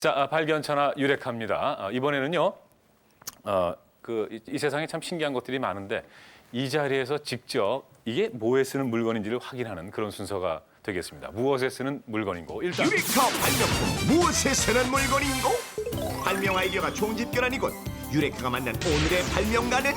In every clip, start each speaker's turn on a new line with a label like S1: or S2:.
S1: 자, 발견차나 유레카입니다. 이번에는요, 이 세상에 참 신기한 것들이 많은데 이 자리에서 직접 이게 뭐에 쓰는 물건인지를 확인하는 그런 순서가 되겠습니다. 무엇에 쓰는 물건인고 일단
S2: 유레카 발명품 무엇에 쓰는 물건인고? 발명 아이디어가 총집결한 이곳 유레카가 만난 오늘의 발명가는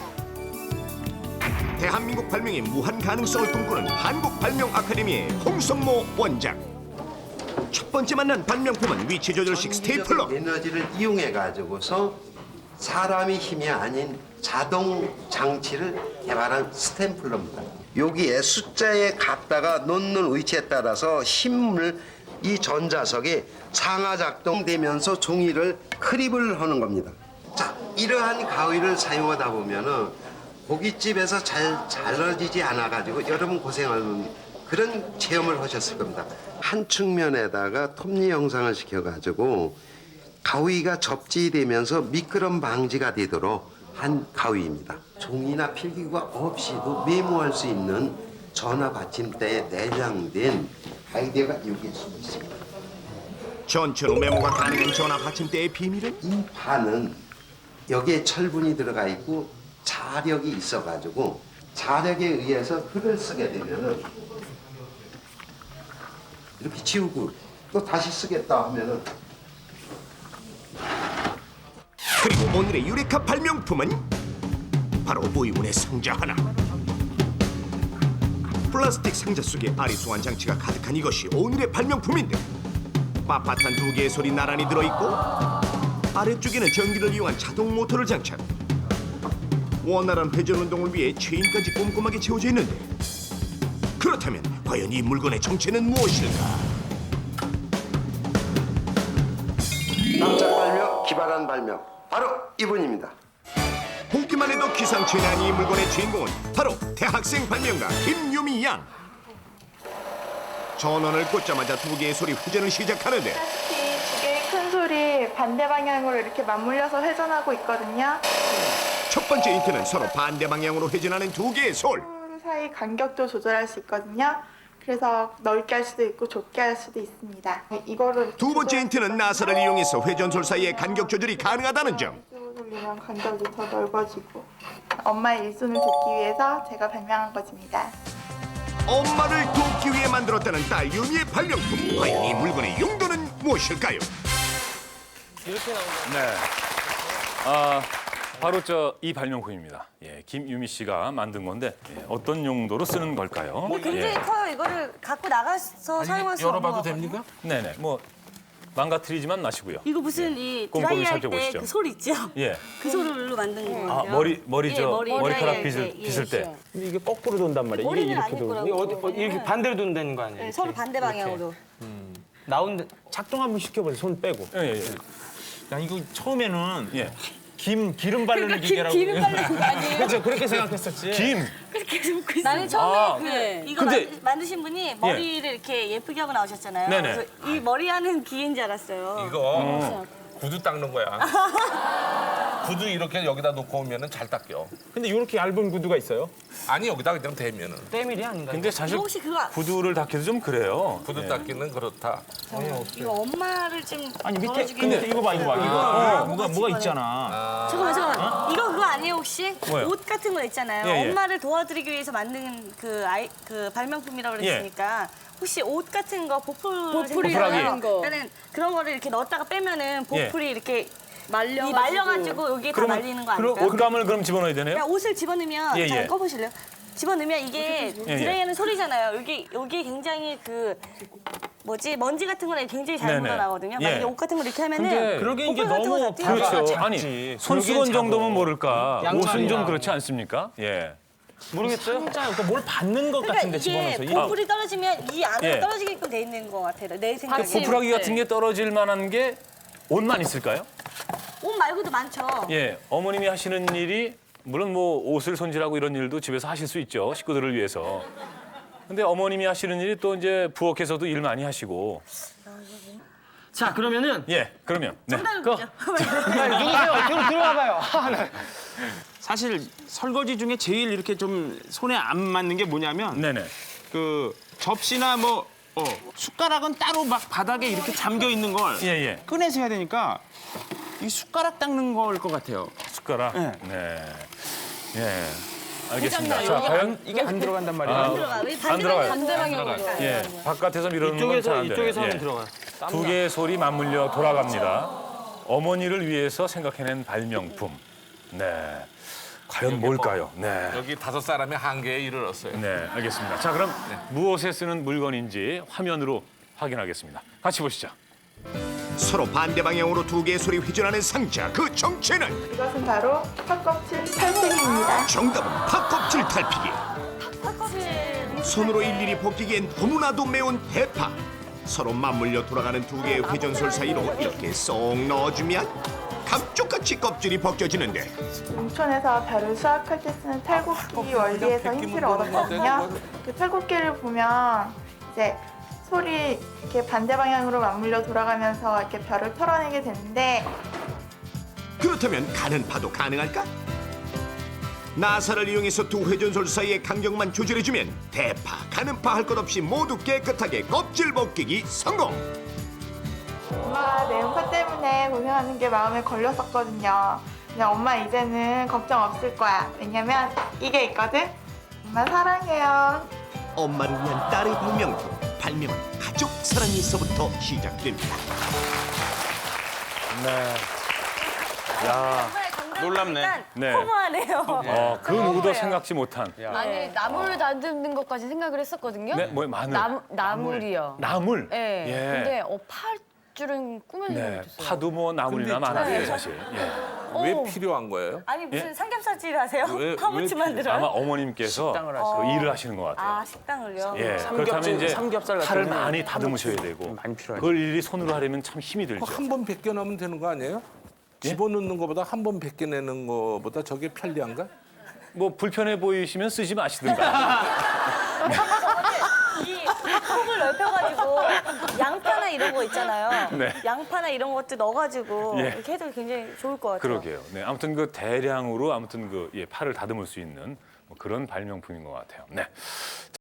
S2: 대한민국 발명의 무한 가능성을 꿈꾸는 한국발명아카데미의 홍성모 원장. 첫 번째 만난 발명품은 위치 조절식 스테이플러.
S3: 에너지를 이용해 가지고서 사람의 힘이 아닌 자동 장치를 개발한 스탬플러입니다. 여기에 숫자에 갖다가 놓는 위치에 따라서 힘을 이 전자석에 상하 작동되면서 종이를 크립을 하는 겁니다. 자, 이러한 가위를 사용하다 보면은 고깃집에서 잘 잘라지지 않아 가지고 여러분 고생하는 그런 체험을 하셨을 겁니다. 한 측면에다가 톱니 형상을 시켜가지고 가위가 접지되면서 미끄럼 방지가 되도록 한 가위입니다. 종이나 필기구가 없이도 메모할 수 있는 전화 받침대에 내장된 아이디어가 여기에 숨어 있습니다.
S2: 전천후 메모가 가능한 전화 받침대의 비밀은?
S3: 이 판은 여기에 철분이 들어가 있고 자력이 있어가지고 자력에 의해서 흙을 쓰게 되면은 이렇게 지우고 또 다시 쓰겠다 하면은
S2: 그리고 오늘의 유레카 발명품은 바로 의문의 상자 하나. 플라스틱 상자 속에 아리송한 장치가 가득한 이것이 오늘의 발명품인데 빳빳한 두 개의 솔이 나란히 들어있고 아래쪽에는 전기를 이용한 자동 모터를 장착. 원활한 회전 운동을 위해 체인까지 꼼꼼하게 채워져 있는데 그렇다면 과연 이 물건의 정체는 무엇일까?
S3: 깜짝 발명, 기발한 발명 바로 이분입니다.
S2: 보기만 해도 기상천외 이 물건의 주인공은 바로 대학생 발명가 김유미 양. 전원을 꽂자마자 두 개의 소리 회전을 시작하는데
S4: 두 개의 큰 솔이 반대 방향으로 이렇게 맞물려서 회전하고 있거든요.
S2: 첫 번째 힌트는 서로 반대 방향으로 회전하는 두 개의 솔.
S4: 솔 사이 간격도 조절할 수 있거든요. 그래서 넓게 할 수도 있고 좁게 할 수도 있습니다. 이거를
S2: 두 번째 힌트는 나사를 이용해서 회전솔 사이의 간격 조절이 가능하다는 점.
S4: 이쪽으로 돌리면 간격이 더 넓어지고 엄마의 일손을 돕기 위해서 제가 발명한 것입니다.
S2: 엄마를 돕기 위해 만들었다는 딸 유미의 발명품. 과연 이 물건의 용도는 무엇일까요?
S1: 네, 바로 이 발명품입니다. 예, 김유미 씨가 만든 건데 어떤 용도로 쓰는 걸까요?
S5: 굉장히 커요. 이거를 갖고 나가서 사용할 수 없는
S6: 열어봐도
S5: 거
S6: 됩니까?
S1: 네네, 뭐 망가뜨리지만 마시고요.
S5: 이거 무슨 이
S1: 꼼꼼히
S5: 드라이할 때
S1: 살펴보시죠.
S5: 그 솔 있죠?
S1: 예,
S5: 그 솔로 만든 거예요.
S1: 머리카락
S5: 예,
S1: 빗을 때.
S6: 근데 이게 거꾸로 돈단 말이에요. 이게
S5: 머리는
S6: 이렇게
S5: 아닐
S6: 돌고.
S5: 거라고.
S6: 이렇게 반대로 돈다는 거 아니에요?
S5: 네,
S6: 이렇게.
S5: 서로 반대 방향으로.
S6: 나온 작동 한번 시켜보세요. 손 빼고.
S1: 예.
S6: 야 이거 처음에는
S1: 예.
S6: 기름 바르는 기계라고.
S5: 기름 바르는 거 아니에요?
S6: 그렇죠. 그렇게 생각했었지.
S1: 김.
S5: 나는 처음에 이거
S1: 근데-
S5: 만드신 분이 머리를 이렇게 예쁘게 하고 나오셨잖아요.
S1: 네네.
S5: 그래서 이 머리 하는 기계인 줄 알았어요.
S7: 이거 구두 닦는 거야. 구두 이렇게 여기다 놓고 오면은 잘 닦여.
S6: 근데 이렇게 얇은 구두가 있어요?
S7: 아니 여기다 그냥 대면은
S6: 때밀이 아닌가요?
S1: 근데 사실
S5: 혹시 그거
S1: 구두를 닦기도 좀 그래요.
S7: 구두 닦기는 그렇다.
S5: 이거 엄마를 좀
S6: 아니 밑에
S5: 덜어주기
S6: 근데
S5: 위해서.
S6: 이거 봐 이거. 뭐가 있잖아.
S5: 잠깐만. 이거 그거 아니에요 혹시?
S1: 뭐요?
S5: 옷 같은 거 있잖아요.
S1: 예.
S5: 엄마를 도와드리기 위해서 만든 그 발명품이라고 그랬으니까 혹시 옷 같은 거 보풀이
S1: 보풀하기.
S5: 그러니까는 그런 거를 이렇게 넣었다가 빼면은 보풀이 이렇게
S8: 말려가지고.
S5: 말려가지고 여기에 다 말리는 거 아닐까요?
S1: 옷감을 그럼 집어넣어야 되네요?
S5: 그냥 옷을 집어넣으면
S1: 예,
S5: 잘
S1: 예.
S5: 꺼보실래요? 집어넣으면 이게
S1: 예.
S5: 드라이하는 소리잖아요. 여기 굉장히 그 먼지 같은 거는 굉장히 잘
S1: 네네.
S5: 묻어나거든요.
S1: 예.
S5: 만약에 옷 같은 걸 이렇게 하면은
S1: 근데
S6: 그러게 이게
S5: 보풀 같은 거
S6: 너무
S5: 다 띄어요.
S1: 그렇죠.
S6: 작지.
S1: 아니 손수건 정도면 모를까.
S6: 양말이야.
S1: 옷은 좀 그렇지 않습니까? 예.
S6: 모르겠어요. 그러니까 뭘 받는 것
S5: 그러니까
S6: 같은데
S5: 이게
S6: 집어넣어서.
S5: 보풀이 떨어지면 이 안으로
S1: 예.
S5: 떨어지게끔 돼 있는 것 같아요. 내 생각에.
S1: 보풀하기 같은 게 떨어질 만한 게 옷만 있을까요?
S5: 옷 말고도 많죠.
S1: 예. 어머님이 하시는 일이 물론 뭐 옷을 손질하고 이런 일도 집에서 하실 수 있죠. 식구들을 위해서. 근데 어머님이 하시는 일이 또 이제 부엌에서도 일 많이 하시고.
S9: 자, 그러면은
S1: 예. 그러면 네.
S5: 정답이죠.
S9: 누구세요? 들어와봐요.
S6: 사실 설거지 중에 제일 이렇게 좀 손에 안 맞는 게 뭐냐면
S1: 네네.
S6: 그 접시나 뭐 숟가락은 따로 막 바닥에 이렇게 잠겨 있는 걸
S1: 예, 예.
S6: 꺼내서 해야 되니까 이 숟가락 닦는 걸 것 같아요.
S1: 숟가락.
S6: 네.
S1: 네. 예. 알겠습니다.
S5: 회장님,
S1: 자,
S5: 여기
S1: 과연
S6: 이게 안 들어간단 말이에요.
S1: 아,
S5: 들어가.
S1: 안 들어가요.
S5: 반대방향으로.
S1: 예. 바깥에서 미루는 건 잘 안 돼요. 예.
S9: 들어가.
S1: 두 개의 솔이 맞물려 돌아갑니다. 어머니를 위해서 생각해낸 발명품. 네. 과연 뭘까요? 네.
S7: 여기 5사람의 한계에 이르렀어요.
S1: 네, 알겠습니다. 자, 그럼 무엇에 쓰는 물건인지 화면으로 확인하겠습니다. 같이 보시죠.
S2: 서로 반대 방향으로 두 개의 솔이 회전하는 상자. 그 정체는
S4: 이것은 바로 팥껍질 탈색입니다.
S2: 정답은 팥껍질 탈피기. 손으로 일일이 벗기기엔 너무나도 매운 대파. 서로 맞물려 돌아가는 두 개의 회전솔 사이로 이렇게 쏙 넣어주면 감쪽같이 껍질이 벗겨지는데
S4: 농촌에서 벼를 수확할 때 쓰는 탈곡기 원리에서 힌트를 얻었거든요. 그 탈곡기를 보면 이제 솔이 이렇게 반대 방향으로 맞물려 돌아가면서 이렇게 벼를 털어내게 되는데
S2: 그렇다면 가는 파도 가능할까? 나사를 이용해서 두 회전솔 사이의 간격만 조절해주면 대파, 가는 파 할 것 없이 모두 깨끗하게 껍질 벗기기 성공!
S4: 엄마가 매운파 때문에 고생하는 게 마음에 걸렸었거든요. 근데 엄마 이제는 걱정 없을 거야. 왜냐면 이게 있거든. 엄마 사랑해요.
S2: 엄마를 위한 딸의 발명품. 발명은 가족 사랑이 있어부터 시작됩니다.
S1: 네. 야,
S6: 놀랍네.
S1: 네.
S5: 허무하네요.
S1: 그 누구도 생각지 못한.
S8: 아니 나물을 다듬는 것까지 생각을 했었거든요.
S1: 네, 뭐 마늘.
S8: 나물이요.
S1: 나물.
S8: 네.
S1: 예.
S8: 근데 팔 줄은 꿈에도
S1: 네,
S8: 못했어요.
S1: 파도 뭐 나물이나
S7: 근데
S1: 많아요, 사실. 예.
S7: 왜 필요한 거예요?
S5: 아니 무슨
S1: 예?
S5: 삼겹살집 하세요?
S7: 왜
S5: 파무치 만들어요?
S1: 아마 어머님께서
S6: 식당을
S1: 그 일을 하시는 것 같아요.
S5: 아 식당을요?
S1: 예, 그렇다면 이제
S6: 삼겹살 같은
S1: 팔을
S6: 거는
S1: 많이 다듬으셔야 되고
S6: 많이 필요하죠.
S1: 그걸 일일이 손으로 하려면 참 힘이 들죠.
S7: 한 번 벗겨내면 되는 거 아니에요? 집어넣는 것보다 한 번 벗겨내는 것보다 저게 편리한가?
S1: 뭐 불편해 보이시면 쓰지 마시든가.
S5: 이 폭을 넓혀가지고 양파나 이런 거 있잖아요.
S1: 네.
S5: 양파나 이런 것도 넣어가지고
S1: 예.
S5: 이렇게 해도 굉장히 좋을 것 같아요.
S1: 그러게요. 네, 아무튼 그 대량으로 아무튼 그 팔을 다듬을 수 있는 뭐 그런 발명품인 것 같아요. 네.